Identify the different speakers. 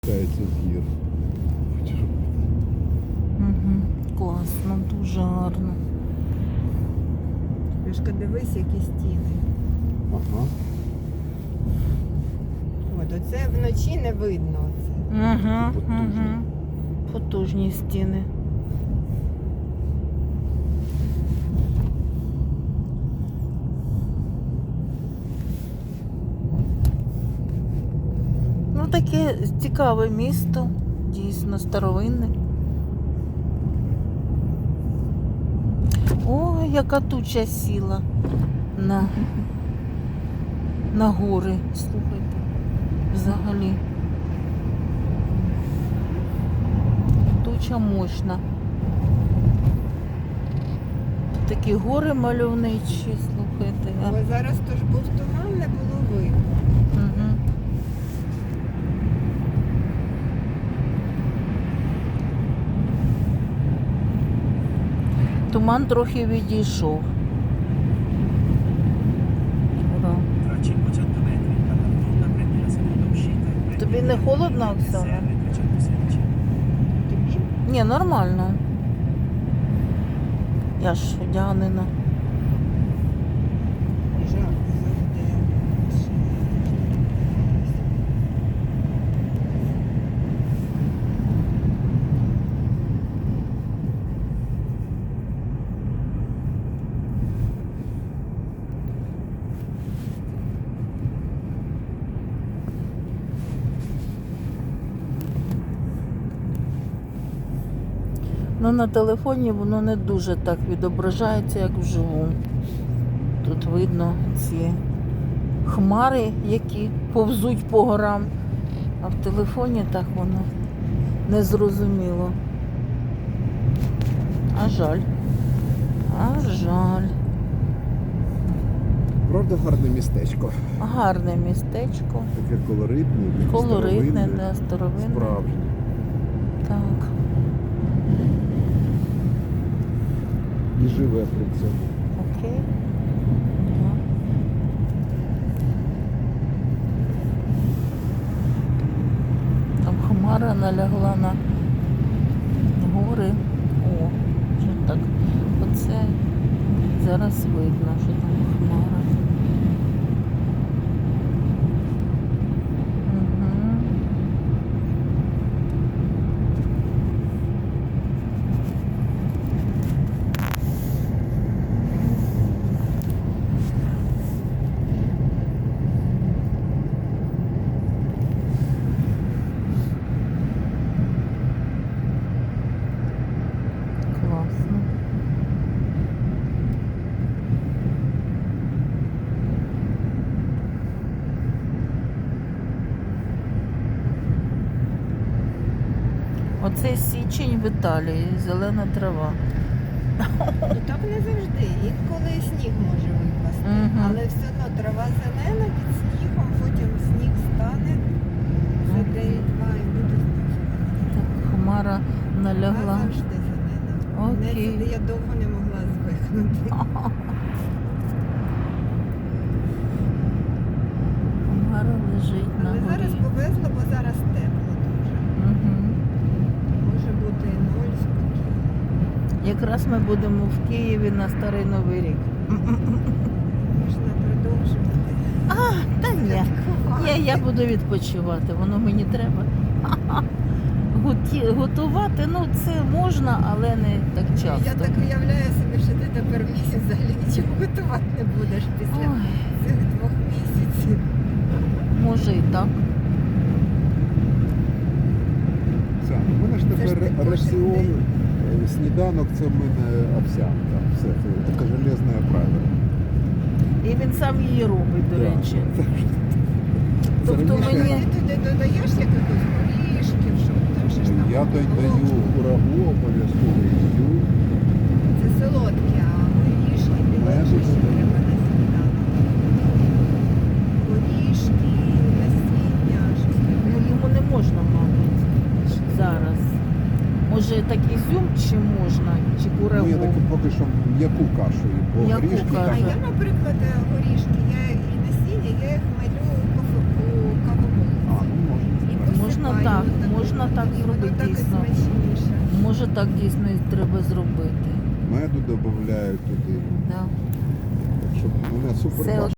Speaker 1: Кається з гір.
Speaker 2: Угу. Класно, дуже гарно.
Speaker 3: Пішка, дивись, які стіни.
Speaker 1: Ага.
Speaker 3: От, оце вночі не видно. Оце.
Speaker 2: Угу,
Speaker 1: Потужні.
Speaker 2: угу. Потужні стіни. Ну, таке цікаве місто, дійсно старовинне. Ой, яка туча сіла на гори, слухайте, взагалі. Туча мощна. Тут такі гори мальовничі, слухайте.
Speaker 3: Але зараз то ж був туман, не було видно.
Speaker 2: Угу. Туман трохи відійшов. Ура.
Speaker 4: Tra 500 metri dalla rotonda prendi la seconda uscita e prendi
Speaker 2: Тобі не холодно, Оксана?
Speaker 4: SR 316.
Speaker 3: Тобі?
Speaker 2: Ні, нормально. Я ж одягнена.
Speaker 3: Жарко завжди.
Speaker 2: Ну, на телефоні воно не дуже так відображається, як вживу. Тут видно ці хмари, які повзуть по горам, а в телефоні так воно незрозуміло. А жаль. А жаль.
Speaker 1: Правда, гарне містечко.
Speaker 2: Гарне містечко.
Speaker 1: Таке колоритне, таке
Speaker 2: Колоритне,
Speaker 1: старовинне,
Speaker 2: да, старовинне.
Speaker 1: справжнє.
Speaker 2: Так.
Speaker 1: І живе при цьому.
Speaker 2: Окей. Да. Там хмара налягла на гори. О, вже так. Оце зараз видно, що там хмара. Угу. Класно. Оце січень в Італії, зелена трава.
Speaker 3: Ну так не завжди. Інколи сніг може випасти.
Speaker 2: Мгм.
Speaker 3: Але все одно трава зелена під снігом, потім сніг стане за день-два і буде знов зелена.
Speaker 2: Так, хмара
Speaker 3: Трава
Speaker 2: налягла.
Speaker 3: завжди зелена.
Speaker 2: Окей.
Speaker 3: Я довго не могла звикнути.
Speaker 2: Хмара лежить на
Speaker 3: Але зараз
Speaker 2: горі.
Speaker 3: повезло, бо зараз тепло дуже.
Speaker 2: Угу.
Speaker 3: Може бути і 0 спокійно.
Speaker 2: Якраз ми будемо в Києві на Старий Новий рік.
Speaker 3: Можна продовжувати.
Speaker 2: Та ні.
Speaker 3: святкувати.
Speaker 2: Я буду відпочивати, воно мені треба. Готувати, ну це можна, але не так
Speaker 3: Я
Speaker 2: часто.
Speaker 3: так уявляю собі, що ти тепер місяць взагалі нічого готувати не будеш після
Speaker 2: Ой,
Speaker 3: цих 2 місяців.
Speaker 2: може і так.
Speaker 1: Це, у мене ж
Speaker 3: Це ж
Speaker 1: тепер
Speaker 3: ти кожен
Speaker 1: раціон,
Speaker 3: день.
Speaker 1: сніданок це в мене овсянка. Все, це таке железне правило.
Speaker 2: І він сам її робить, до
Speaker 1: Да.
Speaker 2: речі.
Speaker 1: Так що
Speaker 2: Тобто
Speaker 1: раніше
Speaker 2: мені-
Speaker 3: Ти туди додаєш якихось горішків, щоб там ще ж там
Speaker 1: Я
Speaker 3: було.
Speaker 1: даю курагу, обов'язково їжджу.
Speaker 3: Це солодкі, а горішки білочі ще треба на сніданок. Горішки, насіння, щось
Speaker 2: Ну
Speaker 3: таке.
Speaker 2: йому не можна, мабуть, зараз. Може так ізюм чи можна, чи
Speaker 1: Ну, я
Speaker 2: курагу?
Speaker 1: таки поки що м'яку кашу, їм, бо
Speaker 2: М'яку
Speaker 1: горішки
Speaker 3: А
Speaker 2: кашу.
Speaker 1: там
Speaker 3: я, наприклад, горішки, я і насіння, я їх малю у кавовому.
Speaker 1: ну, можна.
Speaker 3: І
Speaker 2: Можна Можна
Speaker 3: Ой,
Speaker 2: так,
Speaker 3: ну,
Speaker 2: можна так
Speaker 3: воно
Speaker 2: зробити
Speaker 3: так і
Speaker 2: дійсно.
Speaker 3: смачніше.
Speaker 2: Може так дійсно і треба зробити.
Speaker 1: Меду додають туди,
Speaker 2: Да.
Speaker 1: щоб мене супер
Speaker 2: Це
Speaker 1: бачили.